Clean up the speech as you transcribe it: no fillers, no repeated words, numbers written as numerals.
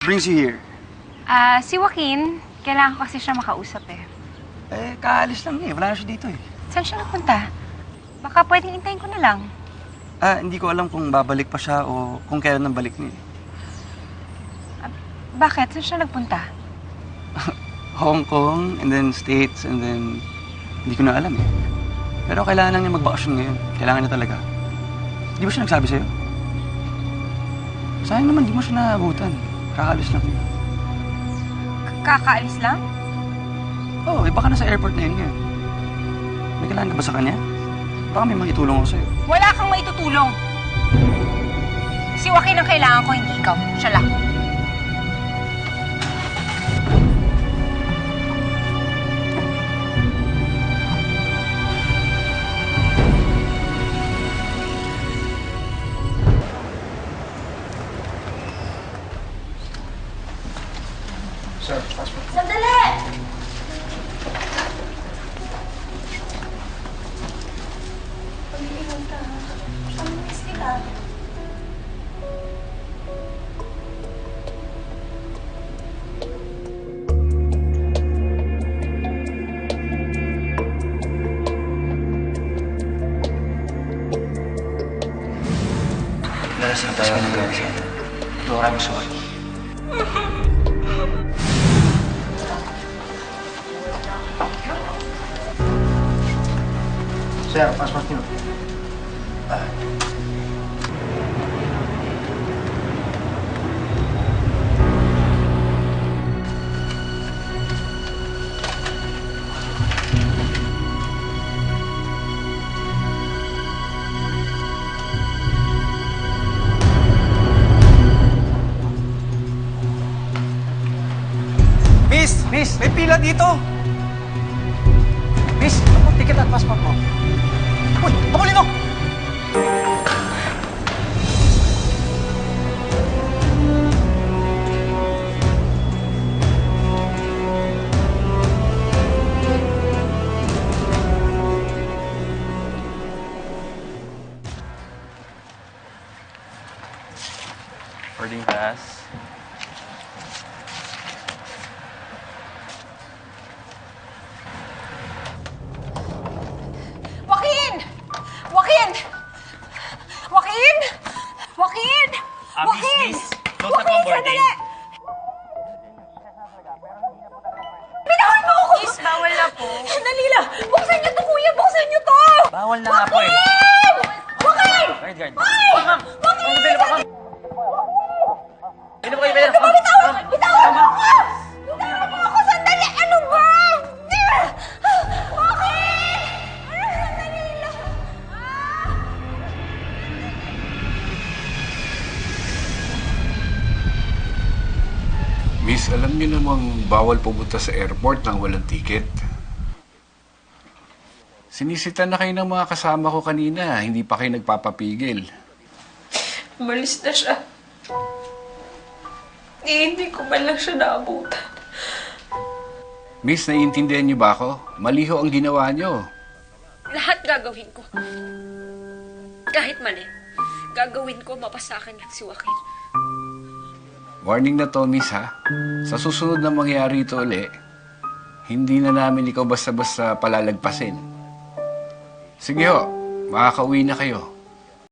brings you here? Si Joaquin, kailangan ko kasi siya makausap eh. Kaalis lang wala na siya dito Saan siya nagpunta? Baka pwedeng intayin ko na lang. Hindi ko alam kung babalik pa siya o kung kailan ang balik niya. Bakit? Saan siya nagpunta? Hong Kong, and then States, and then... Hindi ko na alam Pero kailangan lang niya magbakasyon ngayon. Kailangan niya talaga. Di ba siya nagsabi sa'yo? Sayang naman, di mo siya naabutan. Kakaalis lang. Kakaalis lang? Oo, baka nasa airport na yun ngayon. May kailangan ka ba sa kanya? Baka may maitulong ako sa'yo. Wala kang maitutulong. Si Joaquin ang kailangan ko, hindi ikaw. Siya lang. Sir, passport. Sandali! Pag-iingat ka, ha? Pag-miss kita. Nalasing tayo ng gawin sa atin. Dora, I'm sorry. Sir, passport niyo. Miss! May pila dito! Miss, ako ticket at passport mo. Uy! Pakulin mo! Boarding pass. Joaquin! Joaquin! Joaquin! Joaquin! Joaquin! Miss, close na po ang boarding. Sandali! Pinahon mo ako! Miss, bawal na po. Sandali lang! Buksan niyo to, kuya! Buksan niyo to! Bawal na nga po eh. Joaquin! Guard. Ay! Oh, ma'am! Joaquin! Hindi po kayo pwede. Bitawan! Bitawan mo ako! Bitawan mo ako! Sandali! Ano ba? Joaquin! Sandali lang! Miss, alam niyo namang bawal pumunta sa airport nang walang ticket. Sinisita na kayo ng mga kasama ko kanina, hindi pa kayo nagpapapigil. Umalis na siya. Hindi ko man lang siya naabutan. Miss, naiintindihan niyo ba ako? Mali ho ang ginawa niyo. Lahat gagawin ko. Kahit mali, gagawin ko mapasakin at si Joaquin. Warning na to, Miss, ha? Sa susunod na mangyari ito uli, hindi na namin ikaw basta-basta palalagpasin. Sige ho, makakauwi na kayo.